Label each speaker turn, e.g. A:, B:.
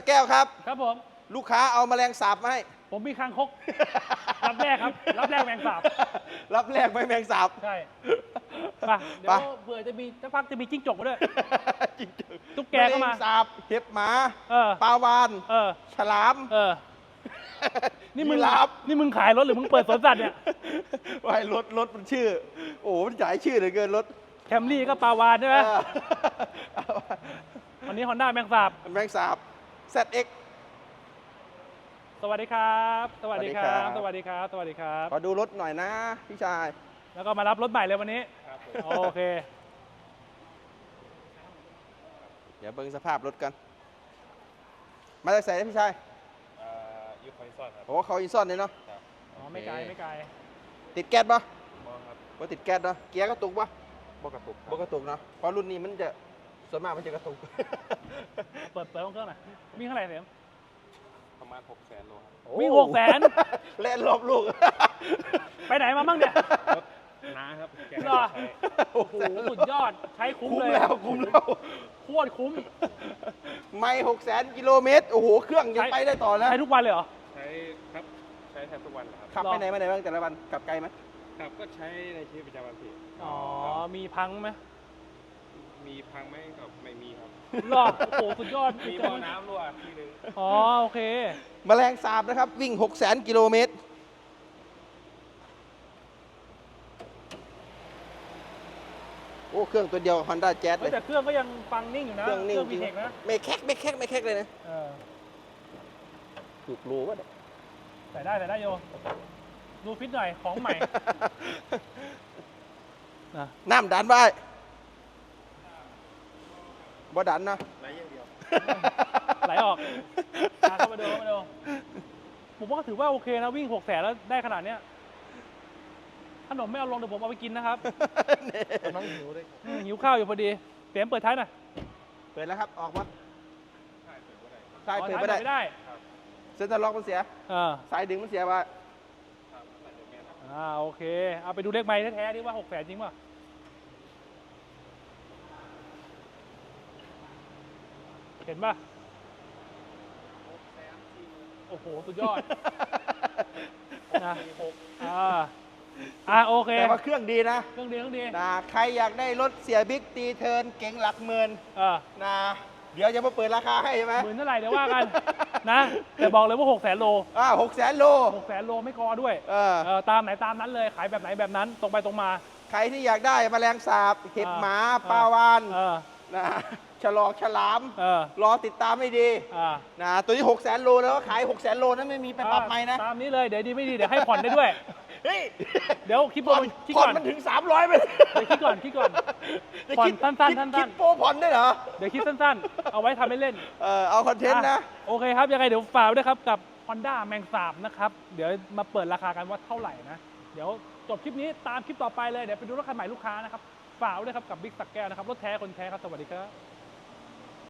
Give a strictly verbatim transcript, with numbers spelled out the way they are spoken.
A: ก้วครับ
B: ครับผม
A: ลูกค้าเอาแมลงสาบมาให้
B: ผมมีคางคกรับแรกครับรับแรกแมงสาบ
A: รับแรกไม่แมงสาบ
B: ใช่ป่ะเดี๋ยวเผื่อจะมีสักพักจะมีจิ้งจกมาด้วยตุ๊กแกก็มา
A: แมลงสาบเห็บหมาป
B: ป
A: ลาวานฉลาม
B: เออนี่มึงนี่มึงขายรถหรือมึงเปิดสวนสัตว์เนี่ย
A: ไว้รถรถมันชื่อโอ้มันจ่ายชื่อเหลือเกินรถ
B: แคมรี่ก็ปลาวานใช่ไหมวันนี้ฮอนด้าแมงสาบ
A: แมงสาบ แซด เอ็กซ์
B: สวัสดีครับสวัสดีครับสวัสดีครับสวัสดีครับ
A: ขอดูรถหน่อยนะพี่ชาย
B: แล้วก็มารับรถใหม่เลยวันนี้โอเค
A: เดี๋ยวเบิ่งสภาพรถกันมาจากไหนพี่ชาย
C: ยูคอยซอนครับ
A: โอ้เขาอินซ่อนเลยเนาะ
B: อ๋อไม่ไกลไม่ไกล
A: ติดแก๊สปะ
C: มองครับ
A: ว่าติดแก๊สเนาะเกียร์กระตุกปะ
C: บกระตุก
A: บกระตุกเนาะเพราะรุ่นนี้มันจะส่วนมากมันจะกระตุก
B: เปิดเปิดเครื่องหน่อยวิ่งเท่าไหร่เสียม
C: ประมาณหกแสนโลครับ
B: วิ่งหกแสน
A: เล่นรอบลูก
B: ไปไหนมาบ้างเนี่ย
C: น้าครับ
B: รอโอ้โหสุดยอดใช้คุ้มเลย
A: คุ้มแล้วคุ้มแล้ว
B: โคตรคุ้ม
A: ไม่หกแสนกิโลเมตรโอ้โหเครื่องยังไปได้ต่อแล้ว
B: ใช้ทุกวันเลยเหรอ
C: ใช้ครับใช้แทบทุกวันครับ
A: ขับไปไหนมาไหนบ้างแต่ละวันขับไกลไหม
C: ขับก็ใช้ในชีวิตประจำวันพี่
B: อ๋อมีพังไหม
C: มีพังไหมก็ไม่มีครับ
B: รอโอ้โหสุดยอด
C: มีบ่อน้ำรั่วทีนึง
B: อ๋อโอเค
A: แมลงสาบนะครับวิ่งหกแสนกิโลเมตรโอ้เครื่องตัวเดียว Honda Jazz เลย
B: แต่เครื่องก็ยังฟังนิ่งอยู่นะ
A: เครื่องนิ่งจริง
B: นะ
A: ไม่แคกไม่แคกไม่แคกเลยนะถูกรู้ว่า
B: ใส่ได้ใส่ได้โยดูฟิตหน่อยของใหม่
A: น้ำดันไว้บ่ดันนะ
C: ไหลอย่างเดียว
B: ไหลออกเข้ามาดูเข้ามาดูผมว่าถือว่าโอเคนะวิ่งหกแสนแล้วได้ขนาดเนี้ยขนมไม่เอาลงเดี๋ยวผมเอาไปกินนะครับ
C: น้องหิวด้วย
B: หิวข้าวอยู่พอดีเปลี่ยนเปิดท้ายหน่อย
A: เปิดแล้วครับออกมา
B: ใช่
A: เปิดไม่ได้
B: ไม่ได้
A: เซ็นเตอร์ล็อกมันเสียสายดึงมันเสียไป
B: อ่าโอเคเอาไปดูเลขไม้แท้ๆดิว่าหกแสนจริงป่ะเห็นป่ะโอ้โหสุดยอดนะอ่าอ่าโอเค
A: แต่ว่าเครื่องดีนะ
B: เครื่องดีเครื่องดี
A: นะใครอยากได้รถเสียบิ๊กตีเทิร์นเก๋งหลักหมื่นนะเดี๋ยวจะมาเปิดราคาให้ใช่ไหม
B: หมื่นเท่าไหร่เดี๋ยวว่ากันนะแต่บอกเลยว่าหกแสนโล
A: อ่าหกแสนโล
B: หกแสนโลไม่คอด้วย
A: เออ
B: ตามไหนตามนั้นเลยขายแบบไหนแบบนั้นตรงไปตรงมา
A: ใครที่อยากได้แมลงสาบเห็บหมาปลาวานนะฉลอกฉลามรอติดตามให้ดีนะตัวนี้หกแสนโลแล้วขายหกแสนโลนั้นไม่มีไปปรับใหม่นะ
B: ตามนี้เลยเดี๋ยวดีไม่ดีเดี๋ยวให้ผ่อนได้ด้วย
A: เฮ้ย
B: เดี๋ยวคิดโปรคิดก่อน
A: มันถึงสามร้อยไป
B: เดี๋ยวคิดก่อนคิดก่อนผ่อนสั้นๆสั้นๆ
A: คิดโปรผ่อนได้เหรอ
B: เดี๋ยวคิดสั้นๆเอาไว้ทำเล่น
A: เออเอาคอนเทนต์นะ
B: โอเคครับยังไงเดี๋ยวฝากด้วยครับกับ Honda แมงสาบนะครับเดี๋ยวมาเปิดราคากันว่าเท่าไหร่นะเดี๋ยวจบคลิปนี้ตามคลิปต่อไปเลยเดี๋ยวไปดูรถคันใหม่ลูกค้านะครับฝากด้วยครับกับบิ๊กสักแก้วนะครับรถแท้คนแท้ครับสวัสดีครับ